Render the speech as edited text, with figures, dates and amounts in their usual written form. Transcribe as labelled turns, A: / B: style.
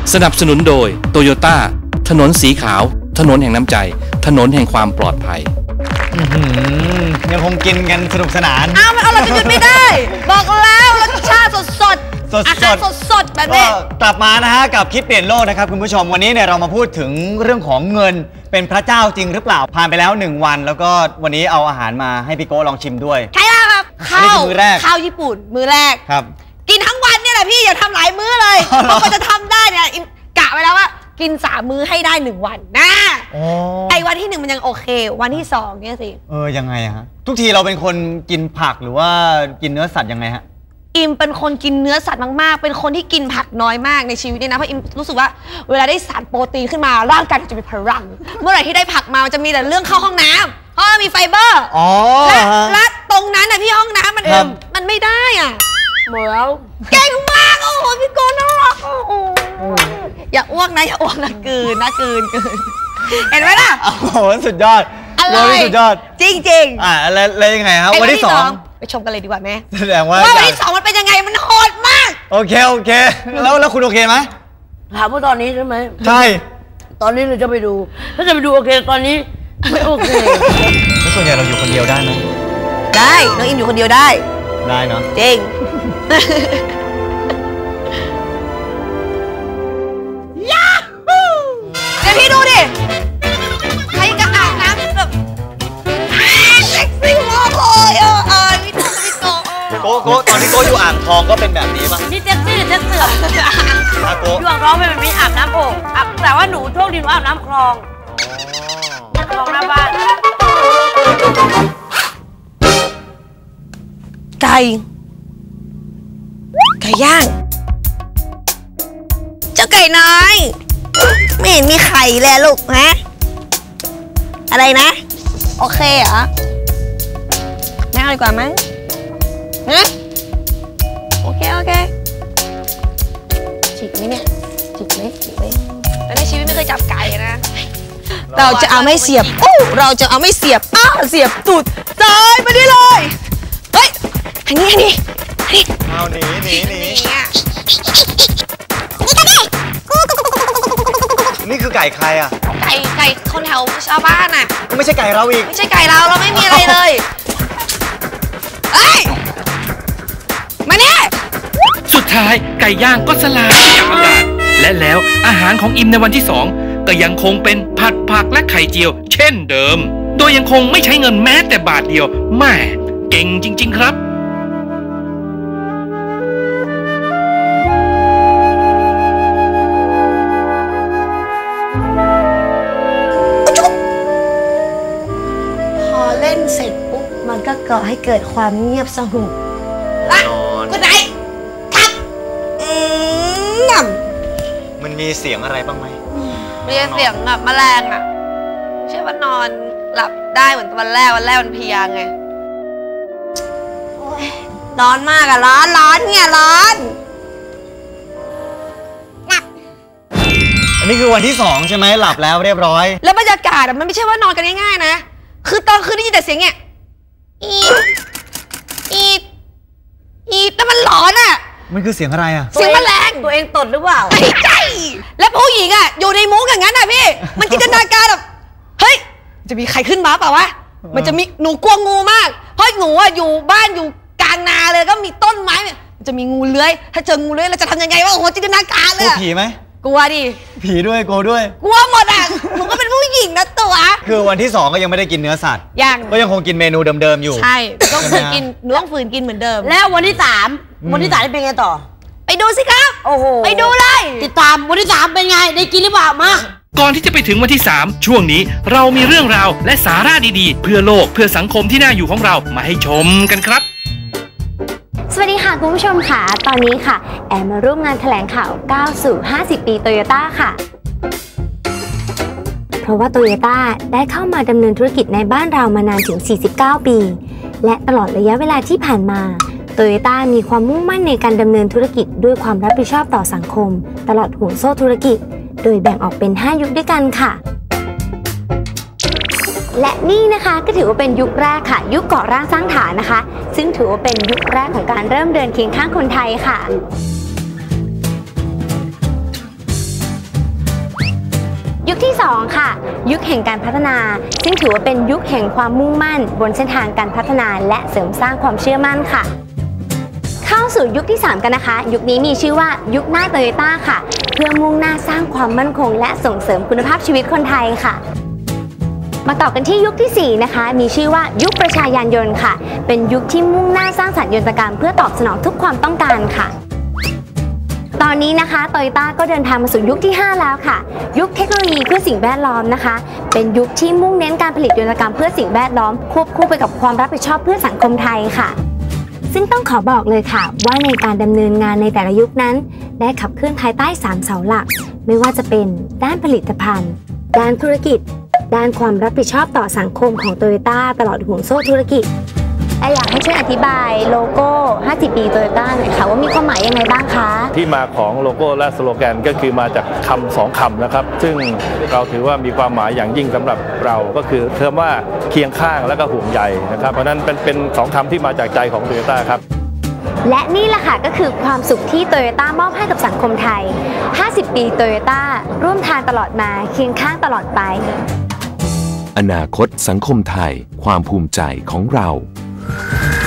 A: สนับสนุนโดยโตโยต้าถนนสีขาวถนนแห่งน้ำใจถนนแห่งความปลอดภัย
B: ยังคงกินกันสนุกสนาน
C: มันเราจะหยุดไม่ได้บอกแล้วรสชาติสดอาหารสดแบบนี้
B: กลับมานะฮะกับคิดเปลี่ยนโลกนะครับคุณผู้ชมวันนี้เนี่ยเรามาพูดถึงเรื่องของเงินเป็นพระเจ้าจริงหรือเปล่าผ่านไปแล้ว1วันแล้วก็วันนี้เอาอาหารมาให้พี่โก้ลองชิมด้วย
C: ใช่แล้วครับข้าวญี่ปุ่นมื้อแรก
B: ครับ
C: กินทั้งวันเนี่ยแหละพี่อย่าทำหลายมื้อเลยเพราะมันจะทำได้เนี่ยกะไว้แล้วว่ากิน3 มื้อให้ได้1วันนะไอ้วันที่1มันยังโอเควันที่2เนี่ยสิ
B: ยังไงฮะทุกทีเราเป็นคนกินผักหรือว่ากินเนื้อสัตว์ยังไงฮะ
C: อิมเป็นคนกินเนื้อสัตว์มากๆเป็นคนที่กินผักน้อยมากในชีวิตเนี่ยนะเพราะอิมรู้สึกว่าเวลาได้สารโปรตีนขึ้นมาร่างกายจะมีพลังเมื่อไหร่ที่ได้ผักมามันจะมีแต่เรื่องเข้าห้องน้ำเพราะมีไฟเบอร์และตรงนั้นนะพี่ห้องน้ำมันไม่ได้อ่ะหมดแล้วเก่งมากโอ้โหพี่โกน่ารักโอ้โหอย่าอ้วกนะอย่าอ้วกนะกืนเห็นไหมล่ะ
B: โอ้โหสุดยอด
C: อะไร
B: สุดยอด
C: จริง
B: แล้วยังไงครับวันที่2
C: ไปชมกันเลยดีกว่าแม่
B: แสดงว่า
C: วันที่2มันเป็นยังไงมันโหดมาก
B: โอเคแล้วคุณโอเคไหม
D: ถามว่าตอนนี้ใช่ไหม
B: ใช่
D: ตอนนี้เราจะไปดูถ้าจะไปดูโอเคตอนนี้ไม่โอเค
B: แล้วส่วนใหญ่เราอยู่คนเดียวได้ไหม
C: ได้น้องอิมอยู่คนเดียวได้
B: เนาะ
C: จริงยาฮูเดี๋ยวพี่ดูดิใครก็อาบน้ำแบบเซ็กซี่มากเลยพี่
B: โก้ตอนที่โก้อยู่อ่างทองก็เป็นแบบนี้ป่ะ
D: นี่เซ็กซี่หรือเซ็กเสื่อมอยู่อ่างทองเป็นแบบนี้อาบน้ำโอ่งแต่ว่าหนูโชคดีหนูอาบน้ำคลองคลองหน้าบ้าน
C: ไก่ย่างเจ้าไก่น้อยไม่เห็นมีไข่เลยลูกฮะอะไรนะโอเคเหรอไม่เอาดีกว่ามั้งฮะโอเคจิกไหมเนี่ยจิกไหมแล้วในชีวิตไม่เคยจับไก่นะเราจะเอาไม่เสียบเราจะเอาไม่เสียบเสียบตูดซ้ายไปได้เลยเฮ้ยอันนี้
B: เอาหนีนี่คือไก่ใครอ่ะ
C: ไก่คนแถวชาวบ้านอ่ะ
B: ไม่ใช่ไก่เราอีก
C: ไม่ใช่ไก่เราไม่มีอะไรเลยเอ้ยมาเนี่ย
A: สุดท้ายไก่ย่างก็สลายจากอากาศและแล้วอาหารของอิมในวันที่2ก็ยังคงเป็นผักและไข่เจียวเช่นเดิมโดยยังคงไม่ใช้เงินแม้แต่บาทเดียวแม่เก่งจริงๆครับ
C: เสร็จปุ๊บมันก็ก่อให้เกิดความเงียบสงบคุณไหนครับ
B: มันมีเสียงอะไรบ้างไหม
C: มีเสียงแบบแมลงอ่ะใช่ว่านอนหลับได้เหมือนวันแรกมันเพลียไงร้อนมากอะร้อนเนี่ยร้อน
B: อันนี้คือวันที่2ใช่ไหมหลับแล้วเรียบร้อย
C: แล้วบรรยากาศมันไม่ใช่ว่านอนกันง่ายๆนะคือตอนคืนได้ยินแต่เสียงเนี่ยอีแต่มันหลอนอ่ะ
B: มันคือเสียงอะไรอ่ะ
C: เสียงแมลง
D: ตัวเองตดหรือเปล่า
C: ไม่ใช่แล้วผู้หญิงอ่ะอยู่ในมุ้งอย่างนั้นอ่ะพี่มันจินตนาการแบบเฮ้ยจะมีใครขึ้นมาเปล่าวะมันจะมีหนูกลัวงูมากเพราะหนูอ่ะอยู่บ้านอยู่กลางนาเลยก็มีต้นไม้มันจะมีงูเลื้อยถ้าเจองูเลื้อยเราจะทำยังไงวะโอ้โหจินตนาการเลย
B: กลัวผีไหม
C: กลัวดิ
B: ผีด้วยกลัวด้วย
C: กลัวหมดอ่ะหนูก็เป็นผู้หญิงนะตัว
B: คือวันที่2ก็ยังไม่ได้กินเนื้อสัตว์ก็ยังคงกินเมนูเดิมๆอยู่
C: ใช่ต้องฝืนกินเหมือนเดิม
D: แล้ววันที่3เป็นไงต่อ
C: ไปดูสิครับ
D: โอ้โห
C: ไปดูเลย
D: ติดตามวันที่3เป็นไงได้กินหรือเปล่ามา
A: ก่อนที่จะไปถึงวันที่3ช่วงนี้เรามีเรื่องราวและสาระดีๆเพื่อโลกเพื่อสังคมที่น่าอยู่ของเรามาให้ชมกันครับ
E: สวัสดีค่ะคุณผู้ชมค่ะตอนนี้ค่ะแอมมาร่วมงานแถลงข่าวก้าวสู่50 ปีโตโยต้าค่ะเพราะว่าโตโยต้าได้เข้ามาดำเนินธุรกิจในบ้านเรามานานถึง49 ปีและตลอดระยะเวลาที่ผ่านมาโตโยต้ามีความมุ่งมั่นในการดำเนินธุรกิจด้วยความรับผิดชอบต่อสังคมตลอดห่วงโซ่ธุรกิจโดยแบ่งออกเป็น5 ยุคด้วยกันค่ะและนี่นะคะก็ถือว่าเป็นยุคแรกค่ะยุคก่อร่างสร้างฐานนะคะซึ่งถือว่าเป็นยุคแรกของการเริ่มเดินเคียงข้างคนไทยค่ะยุคที่ 2 ค่ะ ยุคแห่งการพัฒนาซึ่งถือว่าเป็นยุคแห่งความมุ่งมั่นบนเส้นทางการพัฒนาและเสริมสร้างความเชื่อมั่นค่ะเข้าสู่ยุคที่ 3 กันนะคะยุคนี้มีชื่อว่ายุคหน้าโตโยต้าค่ะเพื่อมุ่งหน้าสร้างความมั่นคงและส่งเสริมคุณภาพชีวิตคนไทยค่ะมาต่อกันที่ยุคที่ 4 นะคะมีชื่อว่ายุคประชายานยนต์ค่ะเป็นยุคที่มุ่งหน้าสร้างสรรค์ยนตกรรมเพื่อตอบสนองทุกความต้องการค่ะตอนนี้นะคะโตโยต้าก็เดินทางมาสู่ยุคที่ 5 แล้วค่ะยุคเทคโนโลยีเพื่อสิ่งแวดล้อมนะคะเป็นยุคที่มุ่งเน้นการผลิตยนตกรรมเพื่อสิ่งแวดล้อมควบคู่ไปกับความรับผิดชอบเพื่อสังคมไทยค่ะซึ่งต้องขอบอกเลยค่ะว่าในการดำเนินงานในแต่ละยุคนั้นได้ขับเคลื่อนภายใต้3เสาหลักไม่ว่าจะเป็นด้านผลิตภัณฑ์ด้านธุรกิจด้านความรับผิดชอบต่อสังคมของโตโยต้าตลอดห่วงโซ่ธุรกิจอยากให้ช่วยอธิบายโลโก้ 50 ปีโตโยต้าหน่อยค่ะว่ามีความหมายยังไงบ้างคะ
F: ที่มาของโลโก้และสโลแกนก็คือมาจากคำ2คำนะครับซึ่งเราถือว่ามีความหมายอย่างยิ่งสำหรับเราก็คือคำว่าเคียงข้างและก็ห่วงใยนะครับเพราะนั้นเป็น2คำที่มาจากใจของโตโยต้าครับ
E: และนี่แหละค่ะก็คือความสุขที่โตโยต้ามอบให้กับสังคมไทย 50 ปีโตโยต้าร่วมทางตลอดมาเคียงข้างตลอดไป
G: อนาคตสังคมไทยความภูมิใจของเรา